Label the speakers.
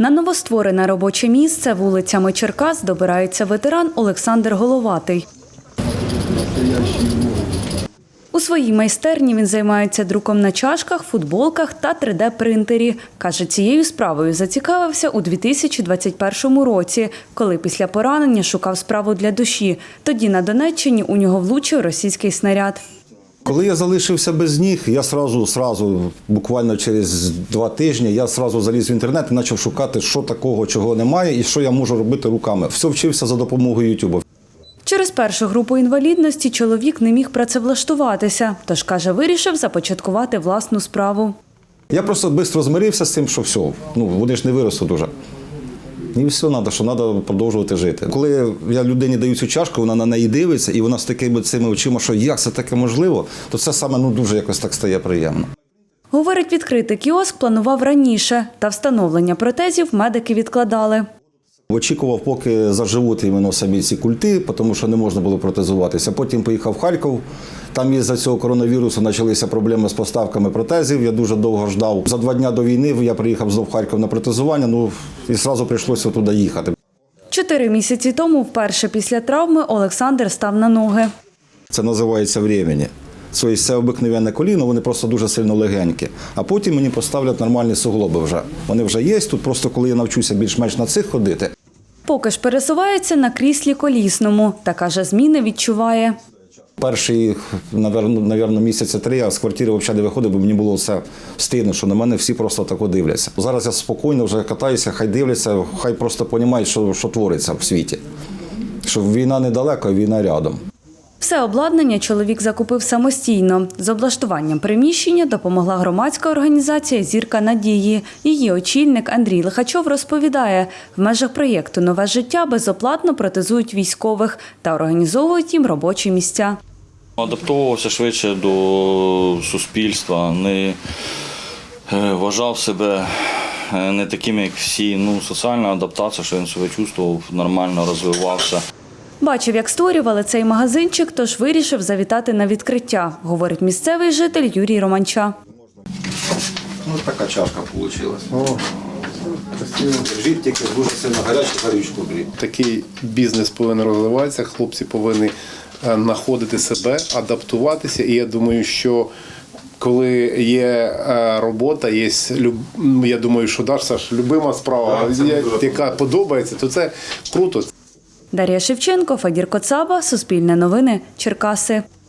Speaker 1: На новостворене робоче місце вулицями Черкас добирається ветеран Олександр Головатий. У своїй майстерні він займається друком на чашках, футболках та 3D-принтері. Каже, цією справою зацікавився у 2021 році, коли після поранення шукав справу для душі. Тоді на Донеччині у нього влучив російський снаряд.
Speaker 2: Коли я залишився без ніг, я сразу, буквально через 2 тижні, я заліз в інтернет і почав шукати, що такого, чого немає і що я можу робити руками. Все вчився за допомогою Ютубу.
Speaker 1: Через першу групу інвалідності чоловік не міг працевлаштуватися, тож, каже, вирішив започаткувати власну справу.
Speaker 2: Я просто швидко змирився з тим, що все, вони ж не виростуть уже. І все, треба продовжувати жити. Коли я людині даю цю чашку, вона на неї дивиться, і вона з такими цими очима, що як це таке можливо, то це саме дуже якось так стає приємно.
Speaker 1: Говорить, відкрити кіоск планував раніше, та встановлення протезів медики відкладали.
Speaker 2: Очікував, поки заживуть іменно самі ці культи, тому що не можна було протезуватися. Потім поїхав в Харків, там із-за цього коронавірусу почалися проблеми з поставками протезів, я дуже довго ждав. За 2 дні до війни я приїхав знов в Харків на протезування, і одразу прийшлося туди їхати.
Speaker 1: 4 місяці тому, вперше після травми, Олександр став на ноги.
Speaker 2: Це називається «времені». Тобто це обикновенне коліно, вони просто дуже сильно легенькі. А потім мені поставлять нормальні суглоби вже. Вони вже є, тут просто коли я навчуся більш-менш на цих ходити.
Speaker 1: Поки ж пересувається на кріслі колісному, та, каже, зміни відчуває.
Speaker 2: Перші, мабуть, місяці 3 я з квартири взагалі не виходив, бо мені було все стидно, що на мене всі просто так дивляться. Зараз я спокійно вже катаюся, хай дивляться, хай просто розуміють, що твориться в світі. Що війна недалеко, а війна рядом.
Speaker 1: Все обладнання чоловік закупив самостійно. З облаштуванням приміщення допомогла громадська організація «Зірка надії». Її очільник Андрій Лихачов розповідає, в межах проєкту «Нове життя» безоплатно протезують військових та організовують їм робочі місця.
Speaker 3: Адаптовувався швидше до суспільства, не вважав себе не таким, як всі. Соціальна адаптація, що він себе чувствував, нормально розвивався.
Speaker 1: Бачив, як створювали цей магазинчик, тож вирішив завітати на відкриття, говорить місцевий житель Юрій Романча.
Speaker 2: Така чашка вийшла. Держіть тільки дуже сильно гарячу горючку.
Speaker 4: Такий бізнес повинен розвиватися, хлопці повинні знаходити себе, адаптуватися. І я думаю, що коли є робота, я думаю, що Саш, любима справа, яка подобається, то це круто.
Speaker 1: Дар'я Шевченко, Фадір Коцаба, Суспільне новини, Черкаси.